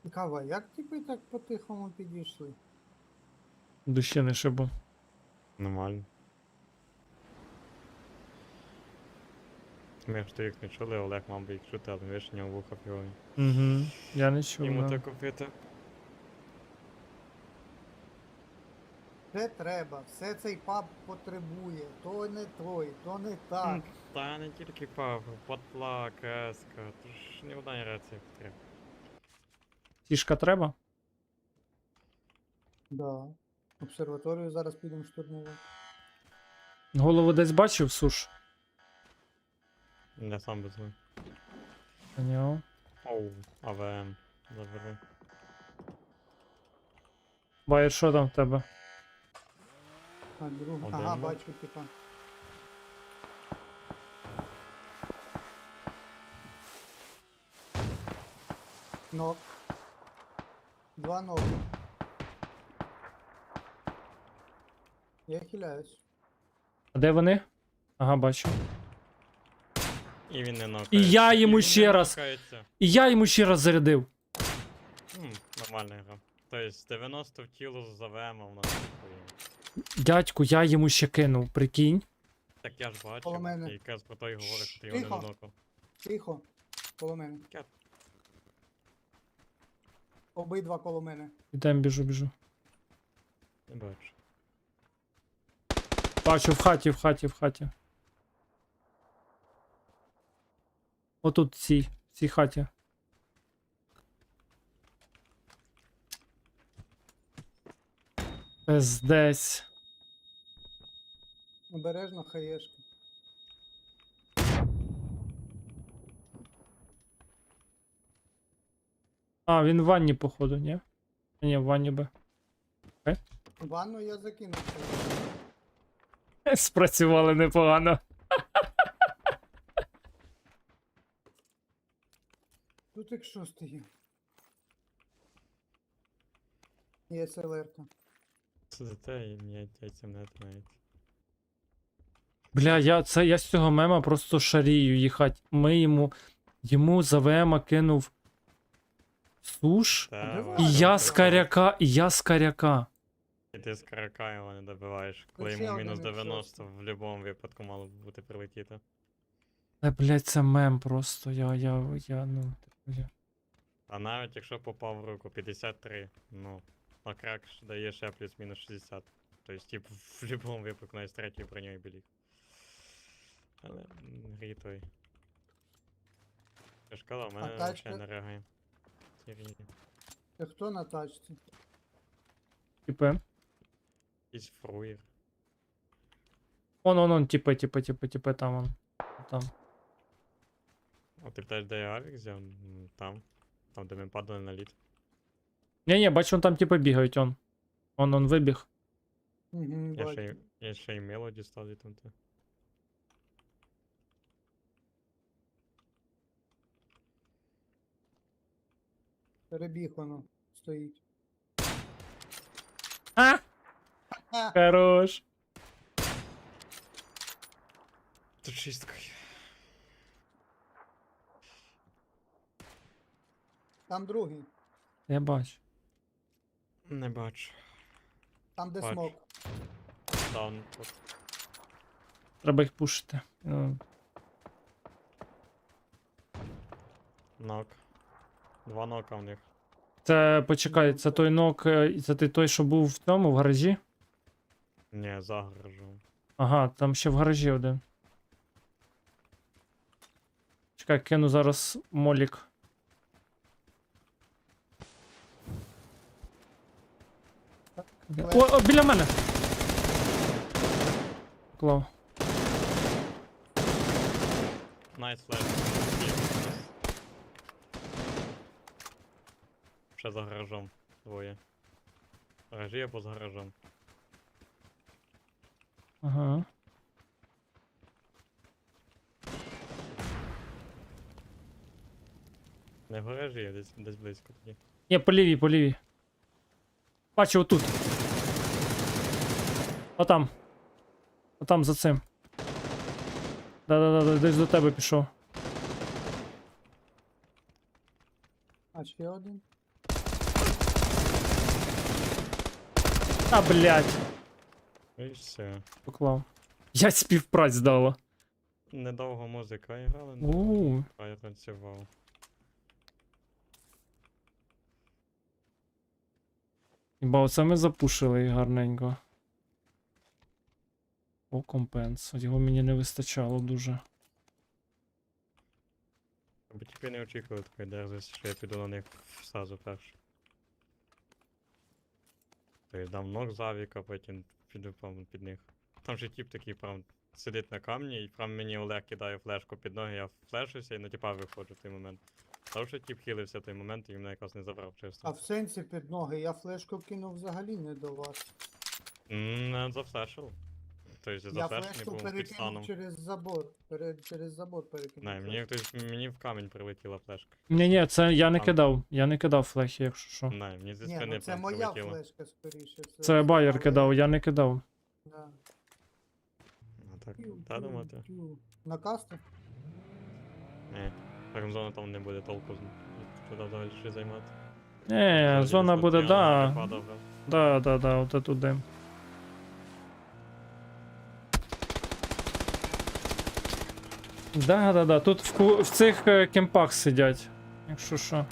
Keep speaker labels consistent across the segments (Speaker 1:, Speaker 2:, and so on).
Speaker 1: Цікаво, як типи так по-тихому підійшли?
Speaker 2: Душі не шибу.
Speaker 3: Нормально. Ми ж то їх не чули, Олег мав би їх чути, але ви ж у нього вуха фігові.
Speaker 2: Угу. Я не чув.
Speaker 3: Йому
Speaker 2: да.
Speaker 3: то купити.
Speaker 1: Це треба, все цей паб потребує. То не той, то не так.
Speaker 3: Та не тільки пав, потла, кеска, то ж ні одна рація потрібна.
Speaker 2: Тішка треба?
Speaker 1: Да. Обсерваторію зараз підемо штурмувати.
Speaker 2: Голову десь бачив, суш?
Speaker 3: Я сам без них.
Speaker 2: Поняв.
Speaker 3: Оу, АВМ. Забери.
Speaker 2: Байер, що там в тебе?
Speaker 1: А другу.
Speaker 3: Один,
Speaker 1: Ага,
Speaker 3: ну.
Speaker 1: бачу, типа. Нок. Два ноги. Я хиляюсь.
Speaker 2: А де вони? Ага, бачу.
Speaker 3: І він не нокається.
Speaker 2: І я йому
Speaker 3: він
Speaker 2: ще
Speaker 3: не
Speaker 2: раз.
Speaker 3: нокається.
Speaker 2: І я йому ще раз зарядив.
Speaker 3: Нормальна гра. Тобто 90 в тіло з АВМ у нас такої.
Speaker 2: Дядьку, я йому ще кинув, прикинь.
Speaker 3: Так я ж бачив,
Speaker 1: Коло мене.
Speaker 3: і якраз про то й говорить, що ти його
Speaker 1: Тихо.
Speaker 3: не нокав.
Speaker 1: Тихо. Коло мене.
Speaker 3: Кет.
Speaker 1: Обидва коло мене.
Speaker 2: Ідем, біжу.
Speaker 3: Не бачу.
Speaker 2: Бачу, в хаті. Отут в цій хаті. Пиздець.
Speaker 1: Обережно, хаєшки.
Speaker 2: А, він в ванні, походу, ні? Ні, в ванні би.
Speaker 1: Ванну я закинув.
Speaker 2: Спрацювали непогано.
Speaker 1: Тут як що стає? Є СЛР-ка.
Speaker 3: Це за те, і мені яйцям не навіть.
Speaker 2: Бля, я з цього мема просто шарію їхать. Йому за ВМа кинув суш.
Speaker 3: Та,
Speaker 1: де
Speaker 3: ладно,
Speaker 1: ви?
Speaker 2: І я
Speaker 3: це
Speaker 2: з каряка.
Speaker 3: І ти з карака його не добиваєш. Коли
Speaker 1: ще
Speaker 3: йому
Speaker 1: один
Speaker 3: мінус
Speaker 1: відсоток.
Speaker 3: 90 в будь-якому випадку мало б бути прилетіти.
Speaker 2: Та, блядь, це мем просто. Ну, типу, я.
Speaker 3: А навіть якщо попав в руку 53, ну, а крак ж дає ще плюс-мінус 60. Тобто, тип, в будь-якому випадку навіть з третьою броньою біліг. Але грі той. Я ж казав, в мене
Speaker 1: тачка?
Speaker 3: взагалі не реагує. Ці грі.
Speaker 1: Це хто на тачці?
Speaker 2: Типи.
Speaker 3: Якийсь фруєр.
Speaker 2: Он, типи, там он. Там.
Speaker 3: А ти питаєш, де я авік взяв? Там. Там, де ми падали на лід.
Speaker 2: Ні, бачу, он там типи бігають, он. Он вибіг.
Speaker 1: Угу, бачу.
Speaker 3: Я ще й мелоді став там.
Speaker 1: Перебіг воно. Стоїть.
Speaker 2: А!
Speaker 1: А,
Speaker 2: Хорош.
Speaker 3: Тут шістка.
Speaker 1: там другий.
Speaker 2: Я бачу.
Speaker 3: Не бачу.
Speaker 1: Там де
Speaker 3: Бачу.
Speaker 1: смок.
Speaker 3: Даун тут.
Speaker 2: Треба їх пушити. Ну,
Speaker 3: Нок. Два нока в них.
Speaker 2: Це, почекай, це той нок, це той, що був в цьому, в гаражі?
Speaker 3: Ні, за гаражом.
Speaker 2: Ага, там ще в гаражі один. Чекай, кину зараз молік. О, біля мене! Клав.
Speaker 3: Найс флеш. Ще за гаражом. Двоє. Гаражі або за гаражом.
Speaker 2: Ага.
Speaker 3: Не в гаражі, а десь близько тоді.
Speaker 2: Ні, по лівій. Бачу, отут. Отам за цим. Да, десь до тебе пішов.
Speaker 1: А ще один.
Speaker 2: А, блядь,
Speaker 3: І все.
Speaker 2: поклав. Я співпраць дала.
Speaker 3: Недовго музика грала,
Speaker 2: У.
Speaker 3: а я танцював.
Speaker 2: Хіба оце ми запушили їх гарненько. О, компенс. Його мені не вистачало дуже.
Speaker 3: Бо тільки не очікували такої дерзості, що я піду на них сразу перший. Тобто дам ног з авіка, потім піду прямо під них. Там же тип такий прям сидить на камні, і прям мені Олег кидає флешку під ноги, я флешуся і на типа виходжу в той момент. Тому що тип хилився в той момент і мене якраз не забрав
Speaker 1: А
Speaker 3: чисто.
Speaker 1: в сенсі під ноги, я флешку кинув взагалі не до вас.
Speaker 3: Не зафлешив. Тобто
Speaker 1: Я
Speaker 3: зафлешений
Speaker 1: флешку
Speaker 3: був під станом.
Speaker 1: перекинув через забор. Через забор перекинув.
Speaker 3: Не, мені, мені в камінь прилетіла флешка.
Speaker 2: Ні, це я не
Speaker 3: Там.
Speaker 2: кидав. Я не кидав флехи, якщо що.
Speaker 3: Не, мені зі
Speaker 1: Ні,
Speaker 3: спини
Speaker 1: ну це
Speaker 3: прям
Speaker 1: моя
Speaker 3: прилетіло.
Speaker 1: флешка скоріше.
Speaker 2: Це байер
Speaker 1: але-
Speaker 2: кидав, я не кидав.
Speaker 1: Да.
Speaker 3: Ну так,
Speaker 1: Тю,
Speaker 3: та
Speaker 1: тю,
Speaker 3: думати.
Speaker 1: тю. На касту?
Speaker 3: Ні. Фармзона там не буде толку туди взагалі щось займати.
Speaker 2: Зона буде, да.
Speaker 3: Падав, грав.
Speaker 2: Да, от туди. Да. Тут в цих кемпах сидять. Якщо що.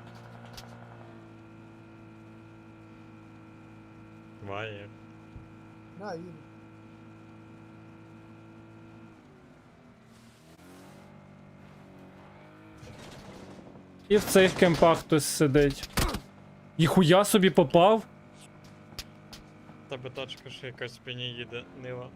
Speaker 3: Ває.
Speaker 1: Да, їду.
Speaker 2: І в цих кемпах хтось сидить. Ніхуя собі попав?
Speaker 3: Тебе тачка ще якась в спині їде, нива.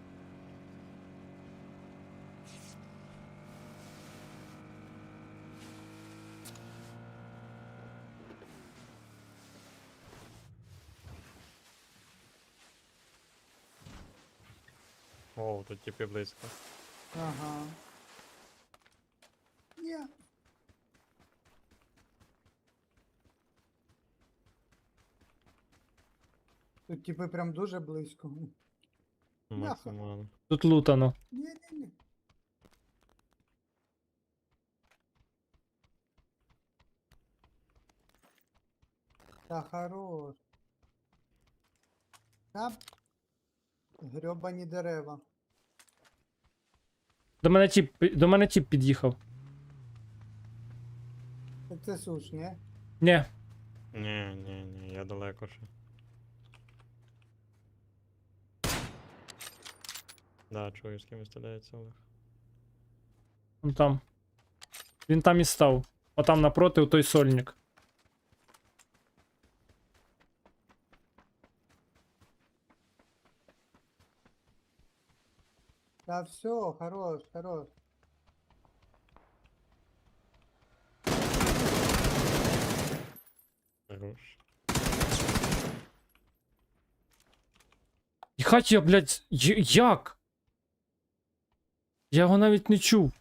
Speaker 3: О, тут типи близько.
Speaker 1: Ага. Ні. Тут типи прям дуже близько.
Speaker 3: Максимально.
Speaker 2: Тут лутано.
Speaker 1: Ні. Та хорош. Та грьобані дерева.
Speaker 2: До мене тіп під'їхав.
Speaker 1: Так це суш, ні?
Speaker 2: Ні.
Speaker 3: Ні, я далеко ще. Да, чую, з кимось стріляється Олег.
Speaker 2: Вон там. Він там і став. Отам напроти, у той сольник.
Speaker 1: Та все, хорош.
Speaker 3: Хорош.
Speaker 2: Їхать я, блядь, як? Я його навіть не чув.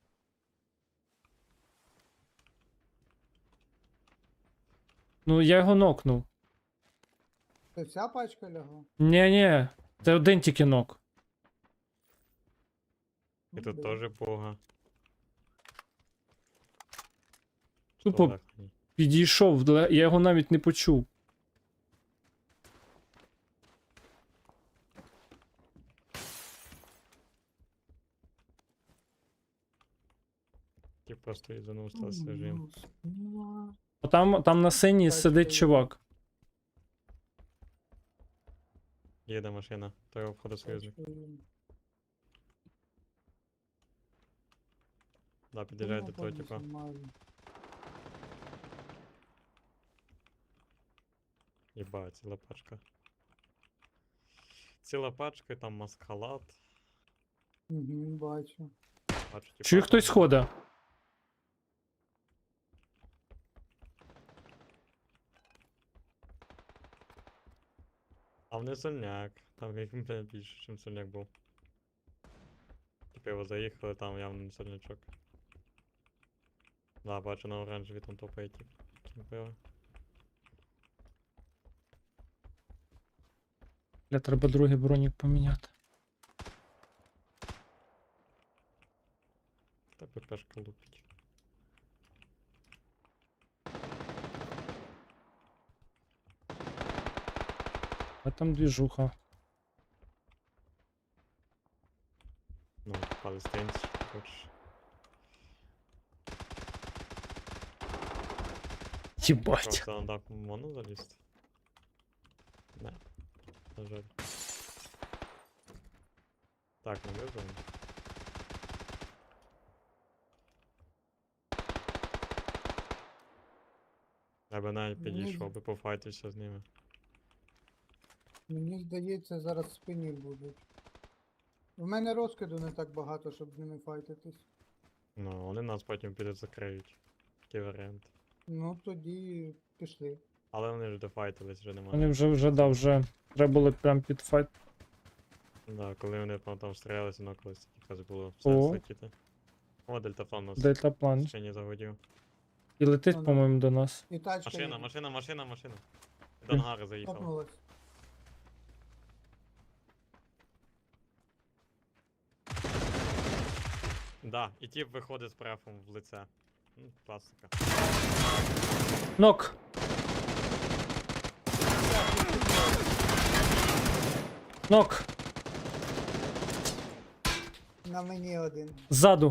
Speaker 2: Ну, я його нокнув.
Speaker 1: Це вся пачка лягла?
Speaker 2: Ні, це один тільки нок.
Speaker 3: І тут теж пуга.
Speaker 2: Тупо
Speaker 3: Олег, ні.
Speaker 2: підійшов, я його навіть не почув.
Speaker 3: Ті просто ізанув стався режим.
Speaker 2: Там на синій
Speaker 1: Так,
Speaker 2: сидить
Speaker 1: що
Speaker 2: чувак.
Speaker 3: Їде машина, той обходить союзник. Да, під'їжджає до того типа. Єба, ціла пачка. Ціла пачка, і там маскалад.
Speaker 1: Угу, бачу.
Speaker 3: Бачу, типа.
Speaker 2: Чую, хтось ходить.
Speaker 3: А не сольняк. Там як більше, ніж сольняк був. Типу його заїхали, там явно не сольнячок. Да, бачу на оранжеві там топає тип. Кімпила.
Speaker 2: Бля, треба другий бронік поміняти.
Speaker 3: Та ППшка лупить.
Speaker 2: А там двіжуха.
Speaker 3: Ну, палестинці, хочеш.
Speaker 2: Єбать.
Speaker 3: Просто на дак можна залізти? Не, на жаль. Так, не виберемо. Я би навіть
Speaker 1: Мені
Speaker 3: підійшов би пофайтився з ними.
Speaker 1: Мені здається, зараз в спині будуть. У мене розкиду не так багато, щоб з ними файтитись.
Speaker 3: Ну, вони нас потім підуть закриють. Такий варіант.
Speaker 1: Ну тоді пішли.
Speaker 3: Але вони ж дофайтились, вже немає.
Speaker 2: Вони вже треба було прям під файт.
Speaker 3: Да, коли вони там стрілялися, воно колись якраз було
Speaker 2: О.
Speaker 3: сенс летіти. О, дельтаплан у нас
Speaker 2: Дельтаплан.
Speaker 3: ще не загодів.
Speaker 2: І летить,
Speaker 1: Ну, да.
Speaker 2: по-моєму, до нас.
Speaker 1: І тачка
Speaker 3: Машина,
Speaker 1: їде.
Speaker 3: машина, машина, машина. До ангари заїхав.
Speaker 1: Топнулась.
Speaker 3: Да, і тіп виходить з префом в лице. Класика.
Speaker 2: Нок! Нок!
Speaker 1: На мені один.
Speaker 2: Ззаду.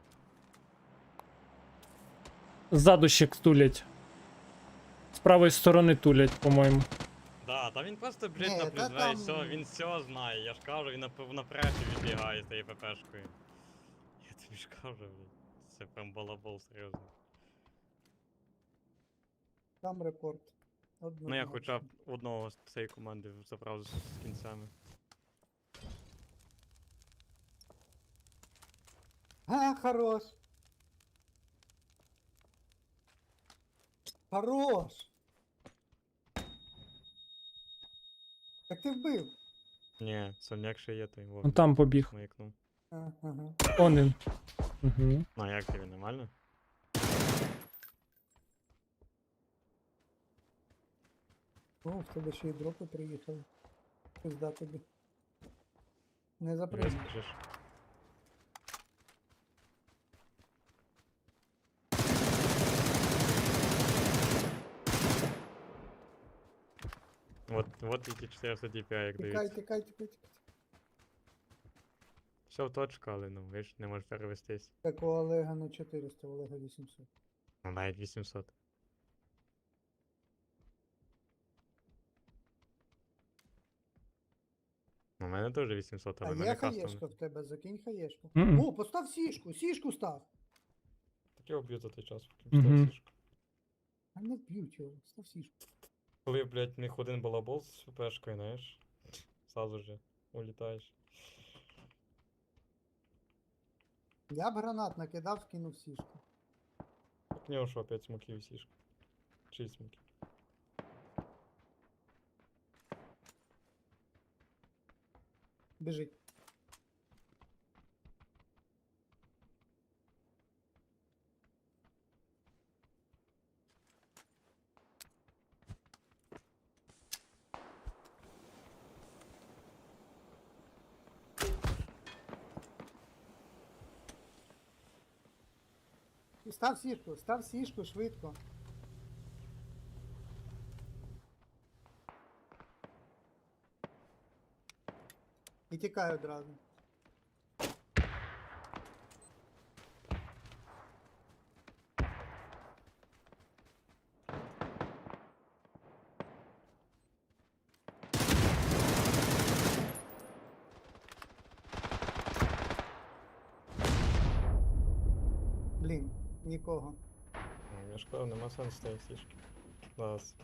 Speaker 2: Ззаду ще тулять. З правої сторони тулять, по-моєму.
Speaker 3: Да, та він просто,
Speaker 1: Ні,
Speaker 3: блядь, на
Speaker 1: та
Speaker 3: плюс 2 і
Speaker 1: там-
Speaker 3: все, він все знає, я ж кажу, він на префі відбігає з тією ППшкою. Я тобі ж кажу, блядь. Це прям балабол, серйозно.
Speaker 1: Там репорт.
Speaker 3: Ну я хоча б одного з цієї команди забрав з кінцями.
Speaker 1: А, хорош. Хорош. Так ти вбив.
Speaker 3: Ні, сольняк ще є, той
Speaker 2: Он
Speaker 3: вовк
Speaker 2: там побіг.
Speaker 3: маякнув.
Speaker 1: Ага.
Speaker 2: Он він. Угу.
Speaker 3: Ну а як тобі, нормально?
Speaker 1: О, в тебе ще й дропи приїхали. Пизда тобі. Не
Speaker 3: Не
Speaker 1: запрыгнеш.
Speaker 3: скажеш. Вот эти 400 DPI, як
Speaker 1: Тікай,
Speaker 3: дивіться.
Speaker 1: тікай, тікай, тікай.
Speaker 3: Все в точку, але ну, ви ж не можеш перевестись.
Speaker 1: Так у Олега на 400, у Олега 800.
Speaker 3: Ну навіть 800. У мене теж 800,
Speaker 1: А
Speaker 3: але в
Speaker 1: є
Speaker 3: мене
Speaker 1: хаєшка
Speaker 3: кастом.
Speaker 1: в тебе, закинь хаєшку.
Speaker 2: Мгм.
Speaker 1: О, постав сішку, сішку став.
Speaker 3: Так я вб'ю за той час, поки
Speaker 2: Мгм.
Speaker 3: встав сішку.
Speaker 1: А не вб'ють його, став сішку.
Speaker 3: Коли, блядь, в них один балабол з ФПшкою, знаєш, сразу же улітаєш.
Speaker 1: Я б гранат накидав, кинув сішку.
Speaker 3: Так в нього що, опять смоків сішка. 6 смоків.
Speaker 1: Біжить. Став сішку швидко. І тікай одразу. Блін, нікого.
Speaker 3: Ну, я ж кажу, нема сенсу цієї сішки. Зараз.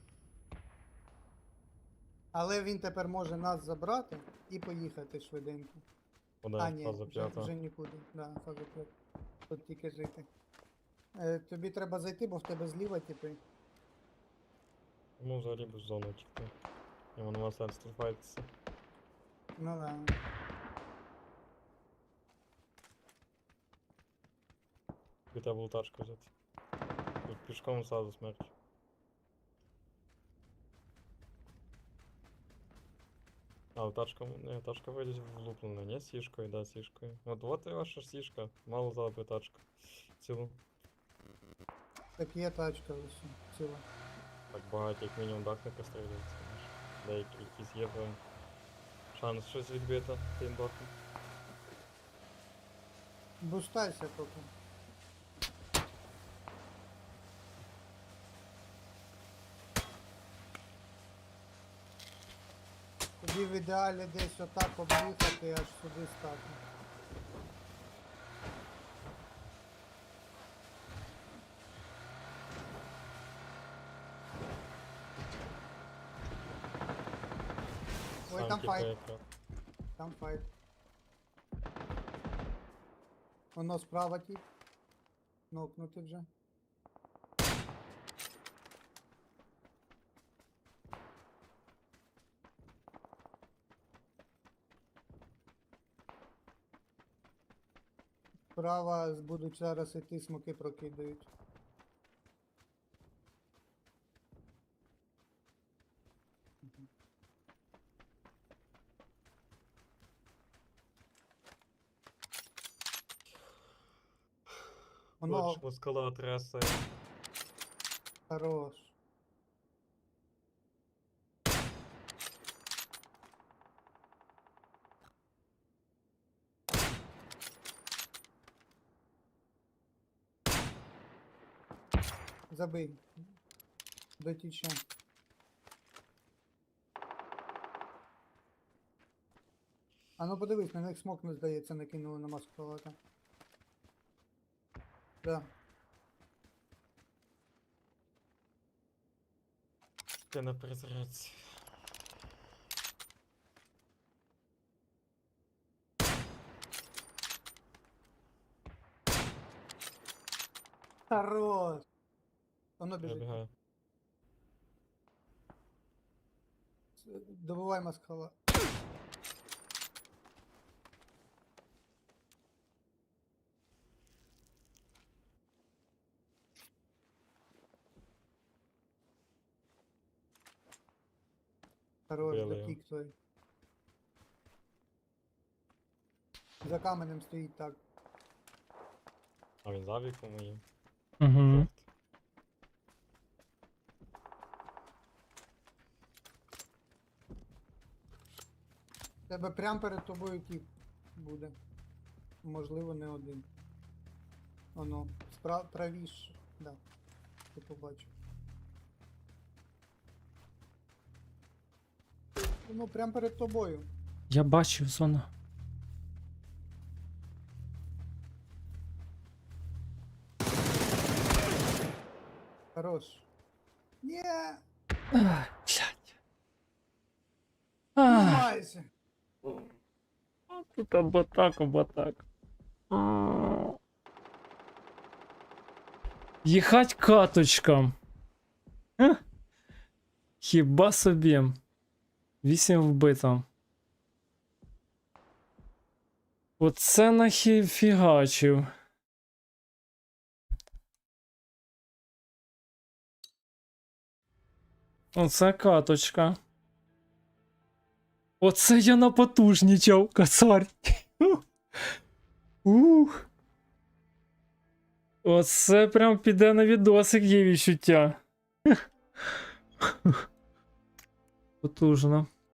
Speaker 1: Але він тепер може нас забрати і поїхати швиденько.
Speaker 3: Куди?
Speaker 1: А, ні,
Speaker 3: Фаза
Speaker 1: вже,
Speaker 3: п'ята.
Speaker 1: вже нікуди. Да, фаза 5. Тут тільки жити. Тобі треба зайти, бо в тебе зліва типи.
Speaker 3: Йому взагалі без зони тільки. Йому нема сенсу тут файтитися.
Speaker 1: Ну да.
Speaker 3: І треба було тачку взяти. Тут пішком сразу смерть. А, тачка, не, тачка вийде влуплена, не сішкою, да, сішкою. От і ваша сішка, мало взяла би тачку. Цілу.
Speaker 1: Так є тачка лише ціла.
Speaker 3: Так багато, як мінімум дах не прострілюється. знаєш. Деякі якісь є прям шанс щось відбити тим боком.
Speaker 1: Бустайся поки. Тоді в ідеалі десь отак об'їхати, аж сюди стати. Ой, там
Speaker 3: Самки
Speaker 1: файт,
Speaker 3: якраз.
Speaker 1: там файт. Воно справа ті. Нокнути вже. Справа будуть зараз іти, смоки прокидають. Воно
Speaker 3: Бачимо, скала трясає.
Speaker 1: хорош. Забий. Дотіче. А ну подивись, на них смок, не здається, накинули на маску палата. Да.
Speaker 3: Ти на перезарядці.
Speaker 1: Хорош! Воно біжить.
Speaker 3: Забігаю.
Speaker 1: Добивай маскала. Хорош,
Speaker 3: Били його.
Speaker 1: дотік той. За каменем стоїть так.
Speaker 3: А він за віком моїм.
Speaker 2: Угу.
Speaker 1: Тебе прямо перед тобою тіп буде. Можливо, не один. Оно. Правіше. Да. Ти побачив. Ну, прямо перед тобою.
Speaker 2: Я бачив зона.
Speaker 1: Хорош. Ні,
Speaker 2: Ах, блядь. Ах,
Speaker 1: майже.
Speaker 2: тут або так, або так. Їхать каточкам. Ех. Хіба собі. 8 вбито. Оце нахіфігачив. Оце каточка. Оце я напотужнічав, кацар. Ух. Оце прям піде на відосик, є відчуття. Потужно.